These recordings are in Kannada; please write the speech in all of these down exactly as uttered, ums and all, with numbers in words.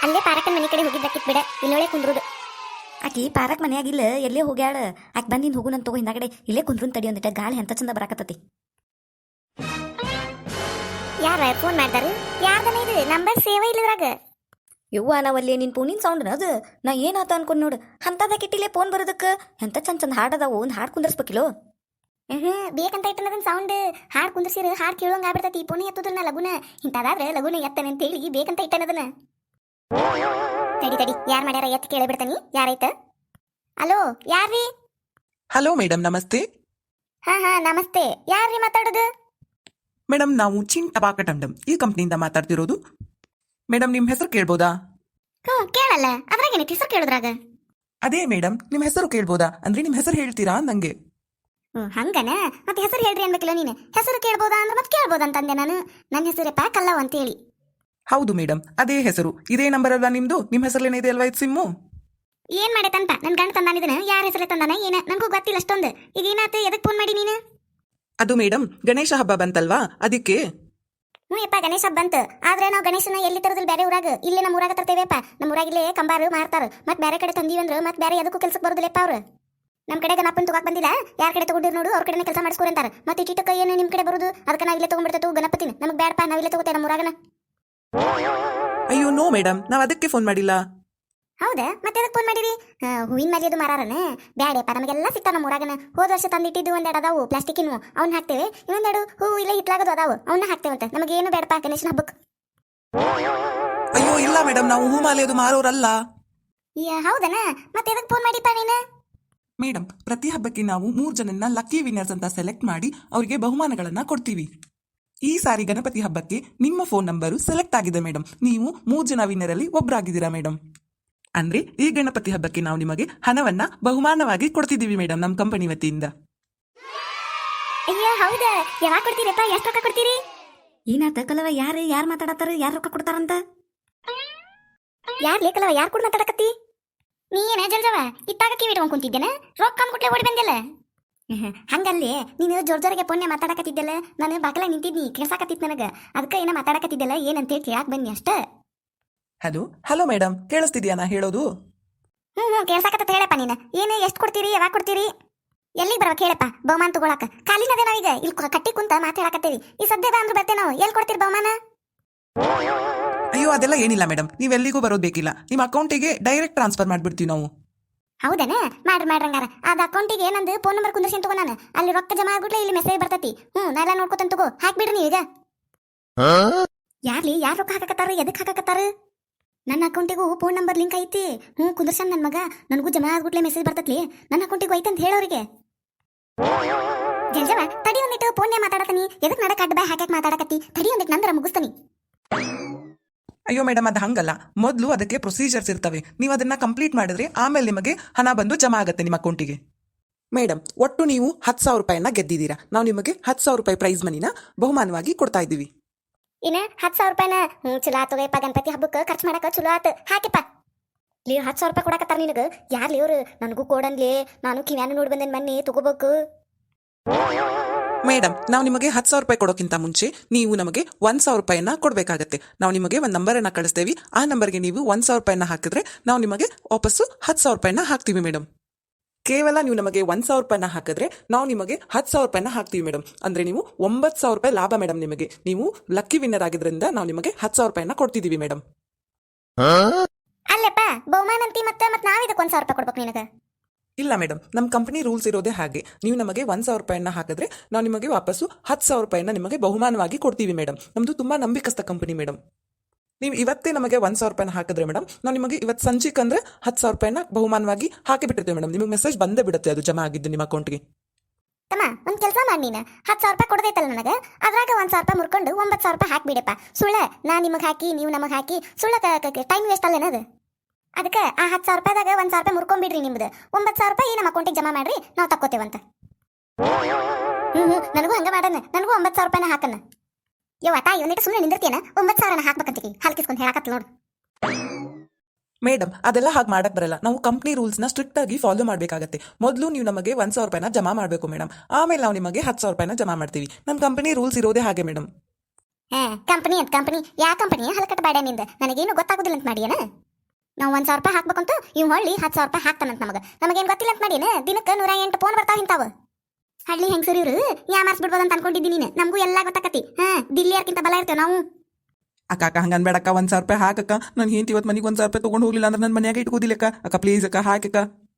ಅಲ್ಲೇ ಪಾರಕ್ಕನ ಮನೆ ಕಡೆ ಹೋಗಿದ್ದಕ್ಕಿತ್ ಬಿಡ ಇಲ್ಲೊಳೆ ಕುಂದ್ರುದು. ಆಕಿ ಪಾರಕ್ ಮನ್ಯಾಗಿಲ್ಲ ಎಲ್ಲೇ ಹೋಗ್ಯಾಳ. ಆಕೆ ಬಂದಿನ ಹೋಗು ನನ್ ತಗೋ ಹಿಂದಾಗಡೆ ಇಲ್ಲೇ ಕುಂದ್ರನ್ ತಡಿ ಒಂದಿಟ ಗಾಳಿ ಎಂತ ಚಂದ ಬರಾಕತ್ತತಿ. ಯಾರ ಫೋನ್ ಮಾಡ್ದಾರು? ಯಾರ್ದನ ಇದು ನಂಬರ್ ಸೇವ್ ಇಲ್ಲದ್ರಾಗ. ಯವ್ವ ನಾವಲ್ಲಿ ನಿನ್ ಫೋನಿನ ಸೌಂಡ್ ಅದು ನಾ ಏನಾತ ಅನ್ಕೊಂಡ್ ನೋಡು ಅಂತದಾಗ ಇಟ್ಟಿಲ್ಲೇ ಫೋನ್ ಬರೋದಕ್ಕೆ ಎಂತ ಚಂದ ಚಂದ ಹಾಡದಾವು ಒಂದು ಹಾಡು ಕುಂದರ್ಸ್ಬೇಕಿಲ್ಲೋ. ಹ್ಮ್ ಬೇಕಂತ ಇಟ್ಟನದನ್ ಸೌಂಡ್ ಹಾಡ್ ಕುಂದ್ರಸಿರ ಹಾಡ್ ಕೇಳೋಂಗ ಆಗ್ಬಿಡ್ತೈತಿ. ಫೋನ್ ಎತ್ತುದಿಲ್ಲ ಲಗುನ ಇಂತಾದ್ರೆ ಲಗುನ ಎತ್ತನೆ ಅಂತ ಹೇಳಿ ಬೇಕಂತ ಇಟ್ಟನದನ. ತಡಿ ತಡಿ ಯಾರ್ ಮಾಡ್ಯಾರ ಎತ್ ಕೇಳಿ ಬಿಡ್ತಾನಿ ಯಾರೈತ. ಹಲೋ ಯಾರ್ರೀ? ಹಲೋ ಮೇಡಮ್ ನಮಸ್ತೆ. ಹಾ ಹಾ ನಮಸ್ತೆ. ಯಾರ್ರೀ ಮಾತಾಡೋದು? ಮೇಡಮ್ ನಾವು ಚಿನ್ ಟಬಾಕಟಂಡಮ್ ಈ ಕಂಪ್ನಿಯಿಂದ ಮಾತಾಡ್ತಿರೋದು. ಮೇಡಮ್ ನಿಮ್ಮ ಹೆಸರು ಕೇಳ್ಬೋದಾ? ಹ್ಮ್ ಕೇಳಲ್ಲ ಅದ್ರಾಗ ಏನೈತಿ ಹೆಸರು ಕೇಳುದ್ರಾಗ. ಅದೇ ಮೇಡಮ್ ನಿಮ್ಮ ಹೆಸರು ಕೇಳ್ಬೋದಾ ಅಂದ್ರೆ ನಿಮ್ಮ ಹೆಸರು ಹೇಳ್ತೀರಾ ನಂಗೆ. ಹ್ಮ್ ಹಂಗನ ಮತ್ತೆ ಹೆಸರು ಹೇಳ್ರಿ ಅನ್ಬೇಕಿಲ್ಲ ನೀನು. ಹೆಸರು ಕೇಳ್ಬೋದಾ ಅಂದ್ರೆ ಮತ್ತೆ ಕೇಳ್ಬೋದ ಅಂತಂದೆ ನಾನು. ನನ್ನ ಹೆಸರಪ್ಪ ಕಲ್ಲವ್ ಅಂತ ಹೇಳಿ. ಹೌದು ಮೇಡಮ್ ಅದೇ ಹೆಸರು ಇದೇ ನಂಬರ್ ಅಲ್ವಾ ನಿಮ್ದು? ನಿಮ್ಮ ಹೆಸರಲ್ಲೇನಿದೆ ಅಲ್ವಾ ಇದು ಸಿಮ್ಮು? ಏನ್ ಮಾಡೈತಂತ ನನ್ ಗಂಡ ತಂದಾನಿದನ ಯಾರ ಹೆಸರೇ ತಂದಾನ ಏನ ನನಗೂ ಗೊತ್ತಿಲ್ಲ ಅಷ್ಟೊಂದು. ಈಗ ಏನಾತ ಎದಕ್ ಫೋನ್ ಮಾಡಿ ನೀನು? ಅದು ಮೇಡಮ್ ಗಣೇಶ ಹಬ್ಬ ಬಂತಲ್ವಾ ಅದಕ್ಕೆ. ಹ್ಞೂ ಯಪ್ಪ ಗಣೇಶ ಹಬ್ಬ ಬಂತು. ಆದ್ರೆ ನಾವು ಗಣೇಶನ ಎಲ್ಲಿ ತರೋದಿಲ್ಲ ಬೇರೆ ಊರಾಗ. ಇಲ್ಲೇ ನಮ್ಮ ಊರಾಗ ತರ್ತೇವೆಪ್ಪ. ನಮ್ಮ ಊರಾಗಿಲ್ಲೇ ಕಂಬಾರು ಮಾರ್ತಾರ. ಮತ್ತೆ ಬೇರೆ ಕಡೆ ತಂದೀವಿ ಅಂದ್ರೆ ಮತ್ತೆ ಬೇರೆ ಅದಕ್ಕೂ ಕೆಲ್ಸಕ್ಕೆ ಬರೋದಿಲ್ಲಪ್ಪ ಅವ್ರು. ನಮ್ಮ ಕಡೆ ಗಣಪನ್ ತಗೋಕ್ ಬಂದಿಲ್ಲ. ಯಾರ ಕಡೆ ತಗೊಂಡಿರ್ ನೋಡು ಅವ್ರ ಕಡೆ ಕೆಲಸ ಮಾಡಿಸ್ಕೊರಿ ಅಂತಾರೆ. ಮತ್ತೆ ಇಟ್ಟಿಟ್ಟಕ್ಕ ಏನು ನಿಮ್ಮ ಕಡೆ ಬರುದು ಅದಕ್ಕೆ ನಾವು ಇಲ್ಲೇ ತಗೊಂಡ್ಬಿಡ್ತೇವೆ ಗಣಪತಿನ. ನಮಗೆ ಬೇಡಪ್ಪ ನಾವು ಇಲ್ಲೇ ತಗೋತೇವೆ ನಮ್ಮ ಊರಾಗನ. ಅಯ್ಯೋ ನೋ ಮೇಡಮ್ ನಾವು ಅದಕ್ಕೆ ಫೋನ್ ಮಾಡಿಲ್ಲ. ಹೌದಾ ಮತ್ತೆ ಅದಕ್ಕೆ ಫೋನ್ ಮಾಡಿರಿ? ಹೂವಿನ ಮೇಲೆ ಅದು ಮಾರಾರನ ಬ್ಯಾಡಪ್ಪ ನಮಗೆಲ್ಲ ಸಿಗ್ತಾವ ನಮ್ಮ ಊರಾಗನ. ಹೋದ ವರ್ಷ ತಂದಿಟ್ಟಿದ್ದು ಒಂದೆರಡು ಅದಾವು ಪ್ಲಾಸ್ಟಿಕ್ಕಿನ ಅವ್ನ ಹಾಕ್ತೇವೆ. ಇನ್ನೊಂದೆರಡು ಹೂ ಇಲ್ಲ ಹಿಟ್ಲಾಗದು ಅದಾವು ಅವನ್ನ ಹಾಕ್ತೇವಂತ. ನಮಗೇನು ಬೇಡಪ್ಪ ಗಣೇಶನ ಹಬ್ಬಕ್ಕೆ. ಅಯ್ಯೋ ಇಲ್ಲ ಮೇಡಮ್ ನಾವು ಹೂ ಮಾಲೆ ಅದು ಮಾರೋರಲ್ಲ. ಹೌದನ ಮತ್ತೆ ಅದಕ್ಕೆ ಫೋನ್ ಮಾಡಿಪ್ಪ ನೀನು? ಮೇಡಮ್ ಪ್ರತಿ ಹಬ್ಬಕ್ಕೆ ನಾವು ಮೂರು ಜನನ್ನ ಲಕ್ಕಿ ವಿನ್ನರ್ಸ್ ಅಂತ ಸೆಲೆಕ್ಟ್ ಮಾಡಿ ಅವರಿಗೆ ಬಹುಮಾನಗಳನ್ನ ಕೊಡ್ತೀವಿ. ಈ ಸಾರಿ ಗಣಪತಿ ಹಬ್ಬಕ್ಕೆ ನಿಮ್ಮ ಫೋನ್ ನಂಬರು ಸೆಲೆಕ್ಟ್ ಆಗಿದೆ ಮೇಡಮ್. ನೀವು ಮೂರು ಜನ ವಿನ್ನರ್ ಅಲ್ಲಿ ಒಬ್ಬರಾಗಿದ್ದೀರಾ ಮೇಡಮ್. ಅಂದ್ರೆ ಈ ಗಣಪತಿ ಹಬ್ಬಕ್ಕೆ ನಾವು ನಿಮಗೆ ಹಣವನ್ನ ಬಹುಮಾನವಾಗಿ ಕೊಡ್ತಿದ್ದೀವಿ ಮೇಡಮ್ ನಮ್ಮ ಕಂಪನಿ ವತಿಯಿಂದ. ಅಯ್ಯ ಹೌದಾ ಯಾವಾಗ ಕೊಡ್ತೀರಪ್ಪ? ಎಷ್ಟು ರೊಕ್ಕ ಕೊಡ್ತೀರಿ? ಏನಾತ ಕಲವ ಯಾರು ಯಾರು ಮಾತಾಡತ್ತಾರ ಯಾರು ರೊಕ್ಕ ಕೊಡ್ತಾರಂತ? ಯಾರ್ ಲೇಕಲ್ಲವ ಯಾರು ಕೂಡ ಮಾತಾಡಕತ್ತಿ? ನೀ ಏನ ಜಲ್ಜವ ಇತ್ತಾಗ ಕಿವಿ ಇಟ್ಕೊಂಡ್ ಕುಂತಿದ್ದೇನೆ ರೊಕ್ಕ ಅಂದ್ಬಿಟ್ಲೆ ಓಡಿ ಬಂದಿಲ್ಲ. ಹಂಗಲ್ಲಿ ನೀನು ಜೋರ್ ಜೋರಿಗೆ ಪುಣ್ಯ ಮಾತಾಡಕತ್ತಿದ್ದಲ್ಲ. ನಾನು ಬಾಕಲ ನಿಂತಿದ್ನಿ ಕೇಳ್ಸಾಕತ್ತಿತ್ ನನಗ. ಅದಕ್ಕೆ ಏನ ಮಾತಾಡಕತ್ತಿದ್ದಲ್ಲ ಏನಂತೇಳಿ ಕೇಳಾಕ್ ಬನ್ನಿ ಅಷ್ಟ. ಹಲೋ ಹಲೋ ಮೇಡಮ್ ಕೇಳಿಸ್ತಿದ್ಯಾ ನಾ ಹೇಳೋದು? ಹ್ಮ್ ಹ್ಮ್ ಕೇಳ್ಸಾಕತ್ತ ಹೇಳಪ್ಪ ನೀನು. ಏನು ಎಷ್ಟು ಕೊಡ್ತೀರಿ ಯಾವಾಗ ಕೊಡ್ತೀರಿ ಎಲ್ಲಿಗೆ ಬರವ ಹೇಳಪ್ಪ ಬಹುಮಾನ ತಗೊಳಕ? ಕಾಲಿನದೇ ನಾವೀಗ ಇಲ್ಲಿ ಕಟ್ಟಿ ಕುಂತ ಮಾತಾಡಕತ್ತೇವಿ. ಈ ಸದ್ಯದ ಅಂದ್ರೆ ಬರ್ತೇವೆ ನಾವು. ಎಲ್ಲಿ ಕೊಡ್ತೀರಿ ಬಹುಮಾನ? ಅಯ್ಯೋ ಅದೆಲ್ಲ ಏನಿಲ್ಲ ಮೇಡಮ್ ನೀವೆಲ್ಲಿಗೂ ಬರೋದು ಬೇಕಿಲ್ಲ. ನಿಮ್ಮ ಅಕೌಂಟಿಗೆ ಡೈರೆಕ್ಟ್ ಟ್ರಾನ್ಸ್ಫರ್ ಮಾಡ್ಬಿಡ್ತೀವಿ ನಾವು. ಹೌದನ ಮಾಡ್ರಿ ಮಾಡ್ರಂಗಾರ. ಅದ ಅಕೌಂಟಿಗೆ ನಂದು ಫೋನ್ ನಂಬರ್ ಕುಂದರ್ಸಿನ್ ತಗೋ ನಾನು. ಅಲ್ಲಿ ರೊಕ್ಕ ಜಮಾ ಆಗ್ಬಿಟ್ಲೆ ಇಲ್ಲಿ ಮೆಸೇಜ್ ಬರ್ತೈತಿ. ಹ್ಮ್ ನಾ ಎಲ್ಲ ನೋಡ್ಕೊತಂತ ತಗೋ ಹಾಕ್ಬಿಡ್ರಿ ನೀವು ಈಗ. ಯಾರ್ಲಿ ಯಾರು ರೊಕ್ಕ ಹಾಕಕತ್ತಾರ ಎದಕ್ ಹಾಕಕತ್ತಾರ? ನನ್ನ ಅಕೌಂಟಿಗೂ ಫೋನ್ ನಂಬರ್ ಲಿಂಕ್ ಐತಿ. ಹ್ಞೂ ಕುಂದರ್ಸನ್ ನನ್ನ ಮಗ. ನನಗೂ ಜಮಾ ಆಗ್ಬಿಟ್ಲೆ ಮೆಸೇಜ್ ಬರ್ತತ್ಲಿ ನನ್ನ ಅಕೌಂಟಿಗೂ ಐತೆ ಅಂತ ಹೇಳೋರಿಗೆ. ಜಲ್ಜವ ತಡಿ ಒಂದಿಟ್ಟು ಫೋನ್ಯ ಮಾತಾಡತನಿ. ಎದಕ್ ನಡಕ್ ಅಡ್ಡ ಬಾಯ್ ಹಾಕಕ್ ಮಾತಾಡಕತ್ತಿ? ತಡಿ ಒಂದಿಟ್ಟು ನಂದರ ಮುಗಿಸ್ತಾನಿ. ಅಯ್ಯೋ ಮೇಡಮ್ ಅದು ಹಂಗಲ್ಲ. ಮೊದಲು ಅದಕ್ಕೆ ಪ್ರೊಸೀಜರ್ಸ್ ಇರ್ತವೆ. ನೀವು ಅದನ್ನ ಕಂಪ್ಲೀಟ್ ಮಾಡಿದ್ರೆ ಆಮೇಲೆ ನಿಮಗೆ ಹಣ ಬಂದು ಜಮಾ ಆಗುತ್ತೆ ನಿಮ್ಮ ಅಕೌಂಟಿಗೆ. ಮೇಡಮ್ ಒಟ್ಟು ನೀವು ಹತ್ತು ಸಾವಿರ ರೂಪಾಯಿನ ಗೆದ್ದಿದ್ದೀರಾ. ನಾವು ನಿಮಗೆ ಹತ್ತು ಸಾವಿರ ರೂಪಾಯಿ ಪ್ರೈಸ್ ಮನಿನ ಬಹುಮಾನವಾಗಿ ಕೊಡ್ತಾ ಇದ್ದೀವಿ. ಏನ ಹತ್ತು ಸಾವಿರ ರೂಪಾಯಿನ? ಹ್ಞೂ ಚಲೋ ಆತೋಗಪ್ಪ. ಗಣಪತಿ ಹಬ್ಬಕ್ಕೆ ಖರ್ಚು ಮಾಡಕ ಚಲೋ ಆತ. ಹಾಕಿಪ್ಪ ಲೇ ಹತ್ತು ಸಾವಿರ ರೂಪಾಯಿ ಕೊಡಕತ್ತಾರ ನಿನಗೆ. ಯಾರ್ಲಿ ಅವ್ರು? ನನಗೂ ಕೊಡನ್ಲಿ. ನಾನು ಕಿವ್ಯಾನು ನೋಡಿ ಬಂದೇನು ಮೊನ್ನೆ ತಗೋಬೇಕು. ಮೇಡಮ್ ನಾವು ನಿಮಗೆ ಹತ್ತು ಸಾವಿರ ರೂಪಾಯಿ ಕೊಡೋಕ್ಕಿಂತ ಮುಂಚೆ ನೀವು ನಮಗೆ ಒಂದು ಸಾವಿರ ರೂಪಾಯಿನ ಕೊಡಬೇಕಾಗತ್ತೆ. ನಾವು ನಿಮಗೆ ಒಂದು ನಂಬರನ್ನು ಕಳಿಸ್ತೇವೆ. ಆ ನಂಬರ್ಗೆ ನೀವು ಒಂದು ಸಾವಿರ ರೂಪಾಯಿನ ಹಾಕಿದ್ರೆ ನಾವು ನಿಮಗೆ ವಾಪಸ್ಸು ಹತ್ತು ಸಾವಿರ ರೂಪಾಯಿನ ಹಾಕ್ತೀವಿ ಮೇಡಮ್. ಕೇವಲ ನೀವು ನಮಗೆ ಒಂದು ಸಾವಿರ ರೂಪಾಯಿನ ಹಾಕಿದ್ರೆ ನಾವು ನಿಮಗೆ ಹತ್ತು ಸಾವಿರ ರೂಪಾಯಿನ ಹಾಕ್ತೀವಿ ಮೇಡಮ್. ಅಂದರೆ ನೀವು ಒಂಬತ್ತು ಸಾವಿರ ರೂಪಾಯಿ ಲಾಭ ಮೇಡಮ್ ನಿಮಗೆ. ನೀವು ಲಕ್ಕಿ ವಿನ್ನರ್ ಆಗಿದ್ರಿಂದ ನಾವು ನಿಮಗೆ ಹತ್ತು ಸಾವಿರ ರೂಪಾಯಿನ ಕೊಡ್ತಿದ್ದೀವಿ ಮೇಡಮ್. ಅಲ್ಲಪ್ಪ ಬಹುಮಾನ ಅಂತಿ ಮತ್ತೆ ಮತ್ತೆ ನಾವು ಇದಕ್ಕೆ ಒಂದು ಸಾವಿರ ರೂಪಾಯಿ ಕೊಡ್ಬೇಕು ನಿನಗೆ? ಇಲ್ಲ ಮೇಡಮ್ ನಮ್ಮ ಕಂಪನಿ ರೂಲ್ಸ್ ಇರೋದೇ ಹಾಗೆ. ನೀವು ನಮಗೆ ಒಂದು ಸಾವಿರ ರೂಪಾಯಿನ ಹಾಕಿದ್ರೆ ನಾವು ನಿಮಗೆ ವಾಪಸ್ಸು ಹತ್ತು ಸಾವಿರ ರೂಪಾಯಿನ ನಿಮಗೆ ಬಹುಮಾನವಾಗಿ ಕೊಡ್ತೀವಿ ಮೇಡಮ್. ನಮ್ಮದು ತುಂಬ ನಂಬಿಕಸ್ಥ ಕಂಪನಿ ಮೇಡಮ್. ನೀವು ಇವತ್ತೇ ನಮಗೆ ಒಂದು ಸಾವಿರ ರೂಪಾಯಿನ ಹಾಕಿದ್ರೆ ಮೇಡಮ್ ನಾವು ನಿಮಗೆ ಇವತ್ತು ಸಂಜೆಗೆ ಅಂದರೆ ಹತ್ತು ಸಾವಿರ ರೂಪಾಯಿನ ಬಹುಮಾನವಾಗಿ ಹಾಕಿಬಿಟ್ಟಿರ್ತೀವಿ ಮೇಡಮ್. ನಿಮಗೆ ಮೆಸೇಜ್ ಬಂದೇ ಬಿಡುತ್ತೆ ಅದು ಜಮಾ ಆಗಿದ್ದು ನಿಮ್ಮ ಅಕೌಂಟ್ಗೆ. ತಮ್ಮ ಒಂದು ಕೆಲಸ ಮಾಡಿ ನೀನು ಹತ್ತು ಸಾವಿರ ರೂಪಾಯಿ ಕೊಡದೈತಲ್ಲ ನನಗೆ. ಅದ್ರಾಗ ಒಂದು ಸಾವಿರ ರೂಪಾಯಿ ಮುರ್ಕೊಂಡು ಒಂಬತ್ತು ಸಾವಿರ ರೂಪಾಯಿ ಹಾಕಿಬಿಡಪ್ಪ. ಸುಳ್ಳ ನಾ ನಿಮಗೆ ಹಾಕಿ ನೀವು ನಮಗೆ ಹಾಕಿ ಸುಳ್ಳ ಟೈಮ್ ವೇಸ್ಟ್ ಅಲ್ಲೇನದು? ಅದಕ್ಕೆ ಆ ಹತ್ತು ಸಾವಿರ ರೂಪಾಯಿದಾಗ ಒಂದು ಸಾವಿರ ರೂಪಾಯಿ ಮುರ್ಕೊಂಡ್ಬಿಡ್ರಿ ನಿಮ್ದು. ಒಂಬತ್ತು ಸಾವಿರ ರೂಪಾಯಿ ನಮ್ಮ ಅಕೌಂಟಿಗೆ ಜಮಾ ಮಾಡ್ರಿ ನಾವು ತಕ್ಕೋತೇವಂತ. ಹ್ಞೂ ಹ್ಞೂ ನನಗೂ ಹಂಗೆ ಮಾಡೋಣ. ನನಗೂ ಒಂಬತ್ತು ಸಾವಿರ ರೂಪಾಯಿನ ಹಾಕನ್ನ. ಯವ್ವ ತಾಯಿ ಒಂದಿಟ್ಟು ಸುಮ್ಮನೆ ನಿಂದಿರ್ತೀಯನ? ಒಂಬತ್ತು ಸಾವಿರನ ಹಾಕ್ಬೇಕಂತೀವಿ ಹಾಲ್ಕಿಸ್ಕೊಂಡು ಹೇಳಕತ್ತ ನೋಡು. ಮೇಡಮ್ ಅದೆಲ್ಲ ಹಾಗೆ ಮಾಡಕ್ ಬರಲ್ಲ. ನಾವು ಕಂಪ್ನಿ ರೂಲ್ಸ್ನ ಸ್ಟ್ರಿಕ್ಟ್ ಆಗಿ ಫಾಲೋ ಮಾಡಬೇಕಾಗತ್ತೆ. ಮೊದಲು ನೀವು ನಮಗೆ ಒಂದು ಸಾವಿರ ರೂಪಾಯಿನ ಜಮಾ ಮಾಡಬೇಕು ಮೇಡಮ್. ಆಮೇಲೆ ನಾವು ನಿಮಗೆ ಹತ್ತು ಸಾವಿರ ರೂಪಾಯಿನ ಜಮಾ ಮಾಡ್ತೀವಿ. ನಮ್ಮ ಕಂಪನಿ ರೂಲ್ಸ್ ಇರೋದೇ ಹಾಗೆ ಮೇಡಮ್. ಹಾ ಕಂಪನಿ ಅಂತ ಕಂಪನಿ ಯಾ ಕಂಪನಿ ಹಲಕಟ್ಟ ಬಾಡ್ಯ ನಿಂದ ನನಗೇನು ಗೊತ್ತಾಗೋದಿಲ್ಲ ಅಂತ ಮಾಡಿಯೇನ ನಾವು ಒಂದ್ ಸಾವಿರ ರೂಪಾಯಿ ಹಾಕ್ಬೇಕಂತ ಇವ್ ಹೊಳ್ಳಿ ಹತ್ತು ಸಾವಿರ ರೂಪಾಯಿ ಹಾಕ್ತಾನಂತ ನಮಗೆ ನಮಗೇನು ಗೊತ್ತಿಲ್ಲ ಅಂತ ಮಾಡಿಯೇನ ದಿನಕ್ಕೆ ನೂರ ಎಂಟು ಫೋನ್ ಬರ್ತಾವ ಇಂತಾವ ಹಳ್ಳಿ ಹೆಂಗಸರು ಇವ್ರು ಯಾ ಮಾರ್ಸ್ಬಿಡ್ಬೋದು ಅಂತ ಅನ್ಕೊಂಡಿದ್ದೀನಿ ನೀನು ನಮಗೂ ಎಲ್ಲ ಗೊತ್ತಾಕತಿ ಹಾ ದಿಲ್ಲಿಯರ್ಕಿಂತ ಬಲ ಇರ್ತೇವೆ ನಾವು ಅಕ್ಕ ಅಕ್ಕ ಹಂಗನ್ ಬೇಡಕ್ಕ ಒಂದ್ ಸಾವಿರ ರೂಪಾಯಿ ಹಾಕಕ್ಕ ನಾನು ಹೆಂಡತಿ ಇವತ್ತು ಮನೆಗೆ ಒಂದ್ ಸಾವಿರ ರೂಪಾಯಿ ತಗೊಂಡು ಹೋಗ್ಲಿಲ್ಲ ಅಂದ್ರೆ ನನ್ನ ಮನ್ಯಾಗ ಇಟ್ಕೋದಿಲ್ಲಕ್ಕ ಅಕ್ಕ ಪ್ಲೀಸ್ ಅಕ್ಕ ಹಾಕಕ್ಕ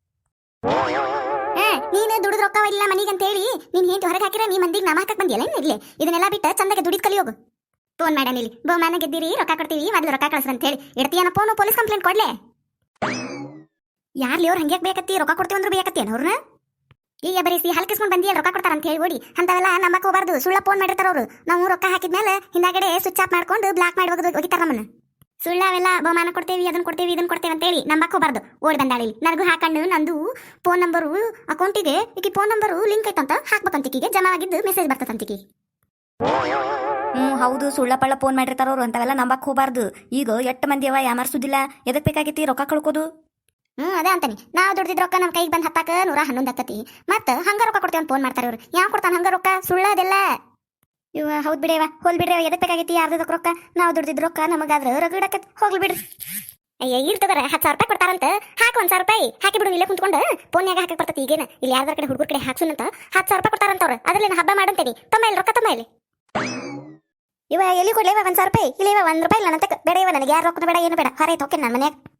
ಹಾ ನೀನು ದುಡಿದ್ ರೊಕ್ಕ ಇಲ್ಲ ಮನಿಗೆ ಅಂತ ಹೇಳಿ ನೀನ್ ಹೆಂಡತಿ ಹೊರಗೆ ಹಾಕಿರ ನೀ ಮಂದಿಗೆ ನಾಮ ಹಾಕಕ್ ಬಂದಿಯಲ್ಲ ಇರ್ಲಿ ಇದನ್ನೆಲ್ಲ ಬಿಟ್ಟು ಚಂದಗೆ ದುಡಿದ್ ಕಲಿ ಹೋಗು ಫೋನ್ ಮಾಡ್ಯಾನ ಇಲ್ಲಿ ಬಹುಮಾನ ಗೆದ್ದಿರಿ ರೊಕ್ಕ ಕೊಡ್ತೀವಿ ಮೊದಲು ರೊಕ್ಕ ಕಳಿಸ್ರಿ ಅಂತ ಹೇಳಿ ಇಡ್ತೀಯನ ಫೋನು ಪೊಲೀಸ್ ಕಂಪ್ಲೇಂಟ್ ಕೊಡ್ಲೆ ಯಾರ್ಲಿ ಅವ್ರು ಹಂಗ್ಯಾಕ್ ಬೇಕತ್ತಿ ರೊಕ್ಕ ಕೊಡ್ತೀವಿ ಅಂದ್ರೆ ಬೇಕತ್ತಿ ಅವ್ರನ್ನ ಈಗ ಬರೀಸಿ ಹಲ್ಕಿಸ್ಕೊಂಡು ಬಂದಿಯಲ್ಲ ರೊಕ್ಕ ಕೊಡ್ತಾರ ಅಂತ ಹೇಳಿ ಓಡಿ ಅಂತವೆಲ್ಲ ನಮ್ಮಕ್ಕ ಹೋಗ್ಬಾರ್ದು ಸುಳ್ಳ ಫೋನ್ ಮಾಡಿರ್ತಾರ ಅವರು ನಾವು ರೊಕ್ಕ ಹಾಕಿದ್ಮೇಲೆ ಹಿಂದಾಗಡೆ ಸ್ವಿಚ್ ಆಫ್ ಮಾಡ್ಕೊಂಡು ಬ್ಲಾಕ್ ಮಾಡಿ ಹೋಗೋದು ಹೋಗಿತಾರ ನಮ್ಮನ್ನ ಸುಳ್ಳವೆಲ್ಲ ಬಹುಮಾನ ಕೊಡ್ತೇವಿ ಅದನ್ನ ಕೊಡ್ತೇವಿ ಇದನ್ನ ಕೊಡ್ತೇವೆ ಅಂತ ಹೇಳಿ ನಮ್ಮಕ್ಕ ಹೋಗ್ಬಾರ್ದು ಓಡಿ ಬಂದಾಳಿ ನನಗೂ ಹಾಕೊಂಡು ನಂದು ಫೋನ್ ನಂಬರು ಅಕೌಂಟಿಗೆ ಈಕಿ ಫೋನ್ ನಂಬರು ಲಿಂಕ್ ಐತಂತ ಹಾಕ್ಬೇಕಂತಿಕಿಗೆ ಜಮಾ ಆಗಿದ್ದು ಮೆಸೇಜ್ ಬರ್ತದಂತಿಕಿ ಹ್ಞೂ ಹೌದು ಸುಳ್ಳ ಪಳ್ಳ ಫೋನ್ ಮಾಡಿರ್ತಾರ ಅವ್ರು ಅಂತಾವೆಲ್ಲ ನಂಬಕ್ ಹೋಗ್ಬಾರ್ದು ಈಗ ಎಷ್ಟು ಮಂದಿ ಅವ ಯಾಮಾರ್ಸುದಿಲ್ಲ ಎದಕ್ ಬೇಕಾಗೈತಿ ರೊಕ್ಕ ಕಳ್ಕೋದು ಹ್ಞೂ ಅದೇ ಅಂತಾನೆ ನಾವು ದುಡ್ದಿದ್ ರೊಕ್ಕ ನಮ್ಮ ಕೈಗೆ ಬಂದು ಹತ್ತಾಕ ನೂರ ಹನ್ನೊಂದು ಹತ್ತತಿ ಮತ್ತೆ ಹಂಗ ರೊಕ್ಕ ಕೊಡ್ತೇವೆ ಅಂತ ಫೋನ್ ಮಾಡ್ತಾರೆ ಇವ್ರು ಯಾವ ಕೊಡ್ತಾನೆ ಹಂಗ ರೊಕ್ಕ ಸುಳ್ಳ ಅದೆಲ್ಲ ಇವ ಹೌದು ಬಿಡೇವ ಹೋಲ್ ಬಿಡ್ರಿ ಎದಕ್ ಬೇಕಾಗೈತಿ ಯಾರ್ದಕ್ ರೊಕ್ಕ ನಾವು ದುಡ್ದಿದ್ ರೊಕ್ಕ ನಮಗಾದ್ರೆ ರಗಡಕತ್ ಹೋಗ್ಲಿ ಬಿಡ್ರಿ ಅಯ್ಯ ಇಲ್ಲಿ ತಗೋರ ಹತ್ತು ಸಾವಿರ ರೂಪಾಯಿ ಕೊಡ್ತಾರಂತ ಹಾಕಿ ಒಂದ್ ಸಾವಿರ ರೂಪಾಯಿ ಹಾಕಿ ಬಿಡು ಇಲ್ಲೇ ಕುಂತ್ಕೊಂಡು ಫೋನ್ಯಾಗ ಹಾಕಿ ಬರ್ತೈತಿ ಈಗೇನ ಇಲ್ಲಿ ಯಾರ್ದಾರ ಕಡೆ ಹುಡುಗರ ಕಡೆ ಹಾಕ್ಸುನಂತ ಹತ್ತು ಸಾವಿರ ರೂಪಾಯಿ ಕೊಡ್ತಾರಂತವ್ರು ಅದ್ರಲ್ಲಿ ನಾ ಹಬ್ಬ ಮಾಡಂತೇನಿ ತಮ್ಮ ಇಲ್ಲಿ ರೊಕ್ಕ ತಮ್ಮ ಇಲ್ಲಿ ಇವ ಎಲ್ಲಿ ಕೊಡ್ಲೇವ ಒಂದ್ ಸಾವಿರ ರೂಪಾಯಿ ಇಲ್ಲ ಇವ ಒಂದ್ ರೂಪಾಯಿ ಇಲ್ಲ ನಂತಕ್ಕೆ ಬೇಡ ಇವ ನನಗೆ ಯಾರು ರೊಕ್ಕ ಬೇಡ ಏನು ಬೇಡ ಹೊರೈತೆ ಹೋಗ್ತೇನೆ ನನ್ನ ಮನ್ಯಾಗ